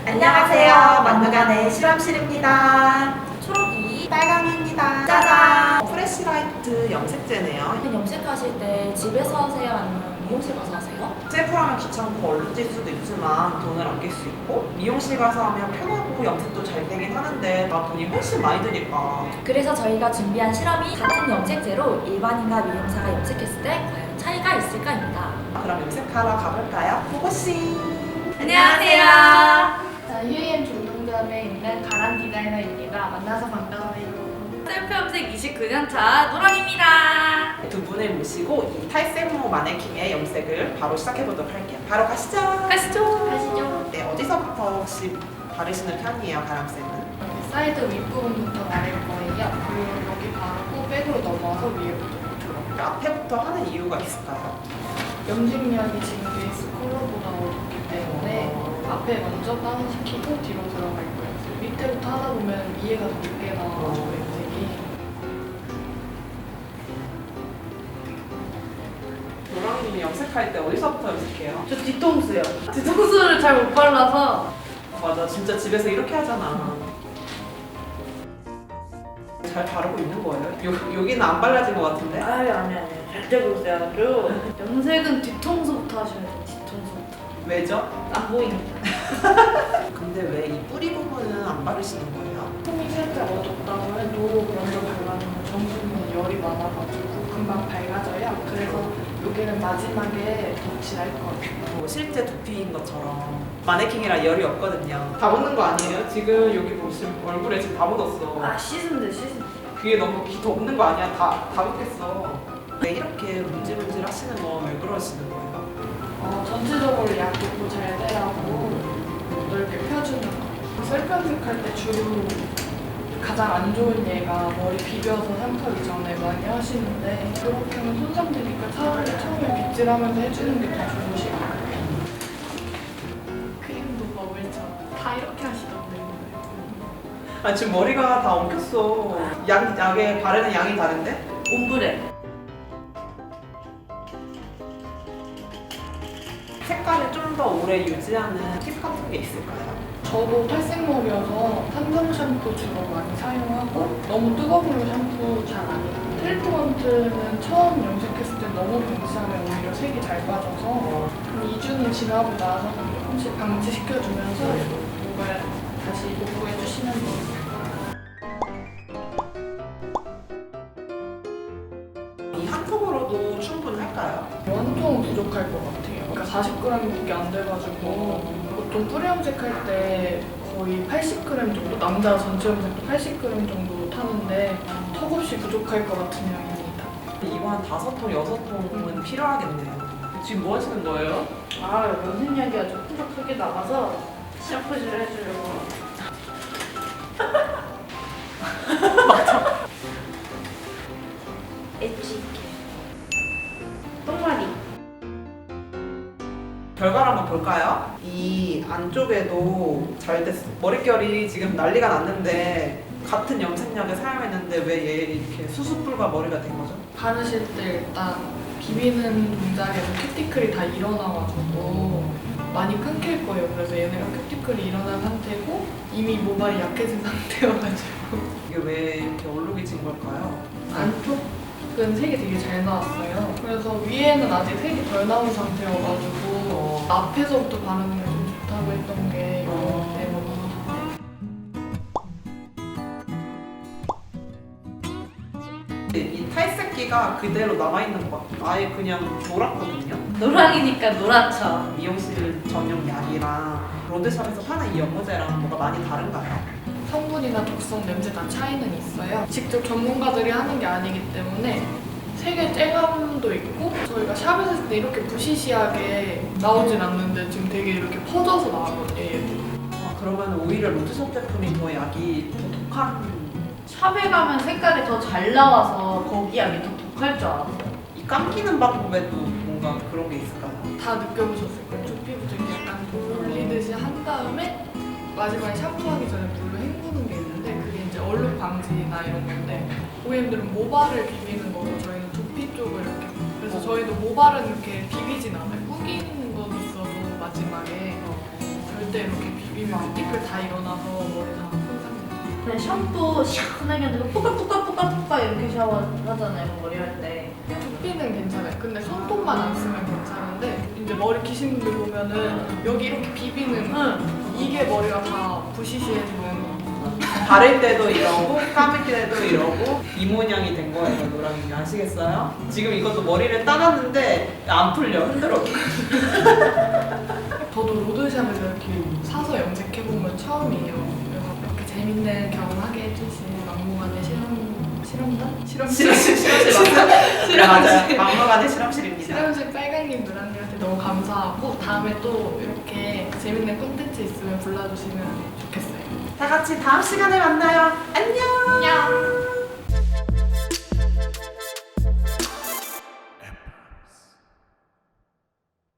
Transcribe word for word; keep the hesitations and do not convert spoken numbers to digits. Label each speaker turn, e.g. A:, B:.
A: 안녕하세요. 막무가내 실험실입니다.
B: 초록이
A: 빨강입니다.
B: 짜잔!
A: 프레시라이트 염색제네요.
B: 염색하실 때 집에서 하세요? 아니면 미용실 가서 하세요?
A: 셀프로 하면 귀찮고 얼룩질 수도 있지만 돈을 아낄 수 있고 미용실 가서 하면 편하고 염색도 잘 되긴 하는데 나 돈이 훨씬 많이 드니까.
B: 그래서 저희가 준비한 실험이 같은 염색제로 일반인과 미용사가 염색했을 때 과연 차이가 있을까입니다.
A: 그럼 염색하러 가볼까요? 고고씨!
B: 안녕하세요.
C: 자, 휴이엠 중동점에 있는 가란 디자이너입니다. 만나서 반가워요.
B: 셀프 염색 이십구 년 차 노랑입니다.
A: 두 분을 모시고 이 탈색모 마네킹의 염색을 바로 시작해보도록 할게요. 바로 가시죠.
B: 가시죠.
C: 가시죠.
A: 네, 어디서부터 혹시 바르시는 편이에요, 가람쌤은?
C: 사이드 윗부분부터 바를 거예요. 그리고 여기 바르고 백으로 넘어서 위에부터 밑으로.
A: 앞에부터 하는 이유가 있을까요?
C: 염색약이 지금 베이스 컬러보다 어둡기 때문에 앞에 먼저 다운시키고 뒤로 들어갈 거예요. 밑에부터 하다 보면 위에가 더 늦게 나와가지고 염색이.
A: 노랑님이 염색할 때 어디서부터 염색해요?
C: 저 뒤통수요. 뒤통수를 잘 못 발라서.
A: 맞아, 진짜 집에서 이렇게 하잖아. 잘 바르고 있는 거예요? 요, 여기는 안 발라진 것 같은데?
C: 아유, 아니, 아니. 절대 보세요. 아주. 염색은 뒤통수부터 하셔야 돼요. 뒤통수부터.
A: 왜죠?
C: 안 보이니까.
A: 근데 왜 이 뿌리 부분은 안 바르시는 거예요?
C: 폼이 살짝 어둡다고 해도 먼저 발라놓으면 정수는 열이 많아가지고 금방 밝아져요. 그래서 여기는 마지막에 덧칠할 거예요.
A: 뭐 실제 두피인 것처럼 마네킹이라 열이 없거든요. 다 묻는 거 아니에요? 지금 여기 보시면 얼굴에 지금 다 묻었어.
C: 아, 씻으면 돼, 씻으면 돼.
A: 귀에 너무 귀 덮는 거 아니야? 다, 다 묻겠어. 왜 이렇게 문질문질 하시는 거 왜 그러시는 거예요?
C: 어, 전체적으로 약도 잘 되라고 넓게 펴주는 거. 셀프 염색할 때 주로 가장 안 좋은 예가 머리 비벼서 샴푸하기 전에 많이 하시는데 그렇게 하면 손상되니까 차라리 처음에 빗질하면서 해주는 게 더 좋으실 거예요. 크림도 버블처럼 다 이렇게 하시던데.
A: 아 지금 머리가 다 엉켰어. 약, 약에 바르는 양이 다른데?
B: 옴브레.
A: 색깔을 좀 더 오래 유지하는 팁 같은 게 있을까요?
C: 저도 탈색목이어서 탄성 샴푸 주로 많이 사용하고 너무 뜨거운 샴푸 잘 안 해요. 트리트먼트는 처음 염색했을 때 너무 방치하면 오히려 색이 잘 빠져서 한 이 주는 지나고 나서 조금씩 방치시켜주면서 목을 다시 복구해주시면 돼요.
A: 이 한 통으로도 충분할까요?
C: 한 통은 부족할 것 같아요. 그러니까 사십 그램밖에 안 돼가지고 보통 뿌리 염색할 때 거의 팔십 그램 정도, 남자 전체 염색도 팔십 그램 정도 타는데 턱없이 부족할 것 같은 양입니다.
A: 이거 한 다섯 통, 여섯 통은 필요하겠네요. 지금 뭐 하시는 거예요?
C: 아, 염색약이 아주 푸석하게 나가서 샴푸질 해주려고. 엣지 있게. 똥마리.
A: 결과를 한번 볼까요? 이 안쪽에도 잘 됐어. 머릿결이 지금 난리가 났는데 같은 염색약을 사용했는데 왜 얘 이렇게 수수뿔과 머리가 된 거죠?
C: 바르실 때 일단 비비는 동작에서 큐티클이 다 일어나가지고 많이 끊길 거예요. 그래서 얘네가 큐티클이 일어난 상태고 이미 모발이 약해진 상태여가지고
A: 이게 왜 이렇게 얼룩이 진 걸까요?
C: 안쪽은 색이 되게 잘 나왔어요. 그래서 위에는 아직 색이 덜 나온 상태여가지고
A: 어.
C: 앞에서부터 바르는 게 좀 좋다고 했던 게 이거 때문에.
A: 이 탈색기가 그대로 남아있는 것 같아요. 아예 그냥 노랗거든요.
B: 노랑이니까 노랗죠.
A: 미용실 전용 약이랑 로드샵에서 파는 이 연고제랑 뭐가 많이 다른가요?
C: 성분이나 독성, 냄새 다 차이는 있어요. 직접 전문가들이 하는 게 아니기 때문에 색의 쨍함도 있고 저희가 샵에서 했을 때 이렇게 부시시하게 나오진 않는데 지금 되게 이렇게 퍼져서 나오거든요. 얘도.
A: 아, 그러면 오히려 로드샵 제품이 더 약이 더 독한.
B: 샵에 가면 색깔이 더 잘 나와서 거기 약이 더 독할 줄 알았어요.
A: 이 감기는 방법에도 뭔가 그런 게 있을까요?
C: 다 느껴보셨을 거예요. 저 피부 되게 약간 돌리듯이 한 다음에 마지막에 샴푸하기 전에 물로 헹구는 게 있는데 그게 이제 얼룩 방지나 이런 건데 고객님들은 모발을 비비는 거고 저희는 두피 쪽을 이렇게 그래서 저희도 모발은 이렇게 비비진 않아요. 꾸기는 건 있어도 마지막에 절대 이렇게 비비 비비면 띠끌 다 일어나서 머리 다 손상돼요.
D: 네, 샴푸 시원하게 하고 뽀깍뽀깍뽀깍뽀깍 이렇게 샤워하잖아요, 머리 할 때.
C: 두피는 괜찮아요. 근데 손톱만 안 쓰면 괜찮은데 이제 머리 기신 분들 보면은 여기 이렇게 비비는
D: 응.
C: 이게 머리가 다 부시시해지는.
A: 바를 때도 이러고 감을 때도 이러고 이 모양이 된 거예요, 노랑이. 아시겠어요? 지금 이것도 머리를 따놨는데 안 풀려, 흔들어.
C: 저도 로드샵에서 이렇게 사서 염색해본 건 처음이에요. 그래서 이렇게 재밌는 경험하게 해주신 막무가내 실험, 실험단? 실험실?
A: 실험실 실험실 맞아요. 막무가내 실험실입니다.
C: 실험실 빨강님 누나님한테 너무 감사하고 다음에 또 이렇게 재밌는 콘텐츠 있으면 불러주시면 좋겠어요.
A: 다 같이 다음 시간에 만나요. 안녕.
C: 안녕.